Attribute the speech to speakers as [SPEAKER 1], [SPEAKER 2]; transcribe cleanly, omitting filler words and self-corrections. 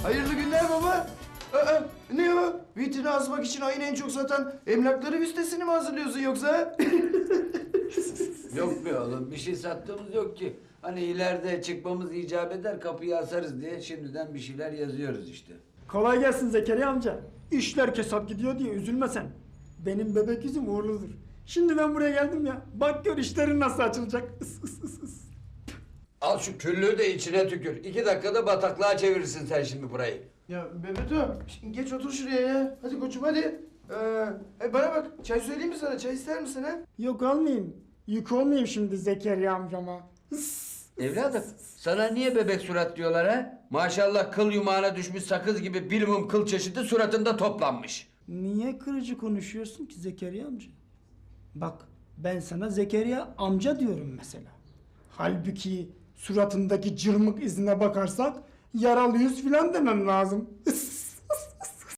[SPEAKER 1] Hayırlı günler baba. Ne o? Vitrine asmak için ayın en çok satan emlakları listesini mi hazırlıyorsun yoksa?
[SPEAKER 2] Yok be oğlum, bir şey sattığımız yok ki. Hani ileride çıkmamız icap eder, kapıyı asarız diye şimdiden bir şeyler yazıyoruz işte.
[SPEAKER 3] Kolay gelsin Zekeriya amca. İşler kesat gidiyor diye üzülme sen. Benim bebek yüzüm uğurludur. Şimdi ben buraya geldim ya. Bak gör işlerin nasıl açılacak. Is, is, is, is.
[SPEAKER 2] Al şu küllüğü de içine tükür. 2 dakikada bataklığa çevirirsin sen şimdi burayı.
[SPEAKER 1] Ya Mehmet'im, şimdi geç otur şuraya ya. Hadi koçum hadi. Bana bak, çay söyleyeyim mi sana? Çay ister misin ha?
[SPEAKER 3] Yok olmayayım. Yük olmayayım şimdi Zekeriya amcama. Is.
[SPEAKER 2] Evladım, sana niye bebek surat diyorlar ha? Maşallah kıl yumağına düşmüş sakız gibi bilimum kıl çeşidi suratında toplanmış.
[SPEAKER 3] Niye kırıcı konuşuyorsun ki Zekeriya amca? Bak ben sana Zekeriya amca diyorum mesela. Halbuki suratındaki cırmık izine bakarsak yaralı yüz filan demem lazım. Is.